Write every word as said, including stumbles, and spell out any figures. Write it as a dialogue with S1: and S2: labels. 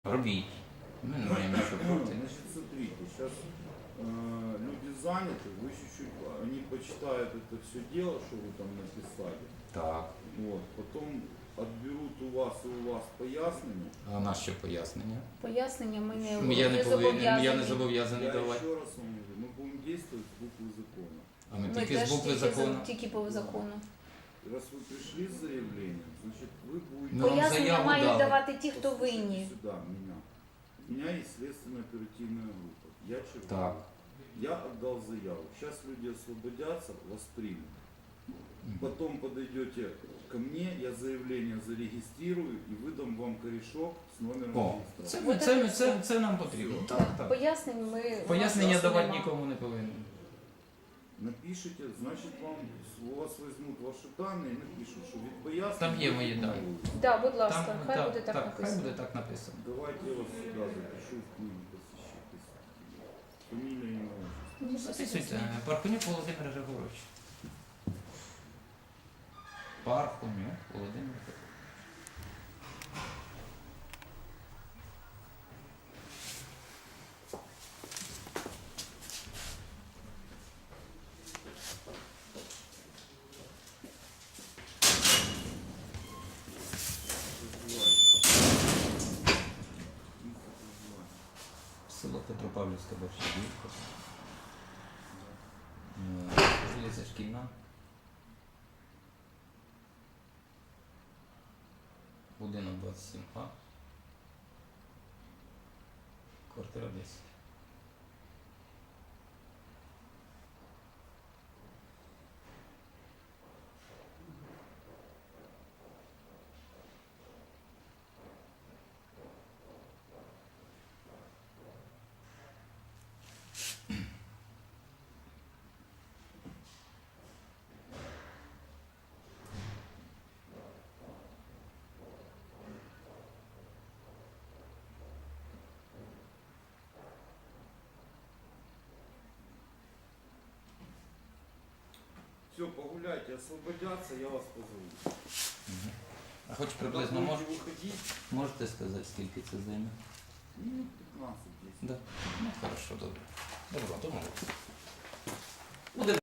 S1: Робіть. Ми не маємо нічого проти.
S2: Значит, смотрите, сейчас э, люди заняты, вы чуть-чуть, они почитают это все дело, что вы там написали.
S1: Так.
S2: Вот, потом отберут у вас и у вас пояснення.
S1: А у нас що пояснення?
S3: Пояснення ми не,
S1: Я не,
S3: не
S1: повинен, я не
S3: зобов'язані.
S1: зобов'язаний
S2: Я
S1: давати.
S2: еще раз вам говорю, мы будем действовать с буквы закона.
S1: А ми
S3: Ми
S1: тільки
S3: теж
S1: з букви
S3: тільки за-
S1: закону.
S3: Тільки по закону.
S2: Раз вы пришли с заявлением, значит вы будете...
S1: Ну, вам
S3: Пояснення
S1: заяву
S3: мають
S1: дали.
S3: давати ті, хто
S2: Послушайте
S3: винні.
S2: сюда, меня. У меня есть следственно-оперативная группа. Я черговый.
S1: Так.
S2: Я отдал заяву. Сейчас люди освободятся, вас примут. Потом подойдете ко мне, я заявление зарегистрирую и выдам вам корешок с номером
S1: О,
S2: регистрации.
S1: це, це, це, це нам потрібно. Так, так.
S3: Пояснень ми...
S1: Пояснення
S3: у нас
S1: давати
S3: нема.
S1: нікому не повинен.
S2: Напишите, значит вам, у вас возьмут ваши данные и напишут, что від пояснень...
S1: Там є мої дані.
S3: Да, будь ласка,
S1: Там,
S3: хай
S1: так,
S3: буде так,
S1: так,
S3: написано.
S1: хай буде так написано.
S2: Давайте я вас сюда запишу в книгу посещать. Фамилия, имя, отчество.
S3: Ну,
S1: Записуйте. Пархунюк Володимир Григорович. Пархунюк Володимир Григорович. Село Петропавлівська Борщагівка. Вулиця Шкільна. Будинок двадцять сім А. Квартира десять.
S2: Все, погуляйте, освободятся, я вас позову.
S1: А хоч
S2: Когда
S1: приблизно
S2: будете
S1: мож,
S2: выходить,
S1: можете сказати, скільки це займе?
S2: ну, пятнадцать-десять.
S1: Да. Ну, хорошо, добре. Добре, домовилися. Буде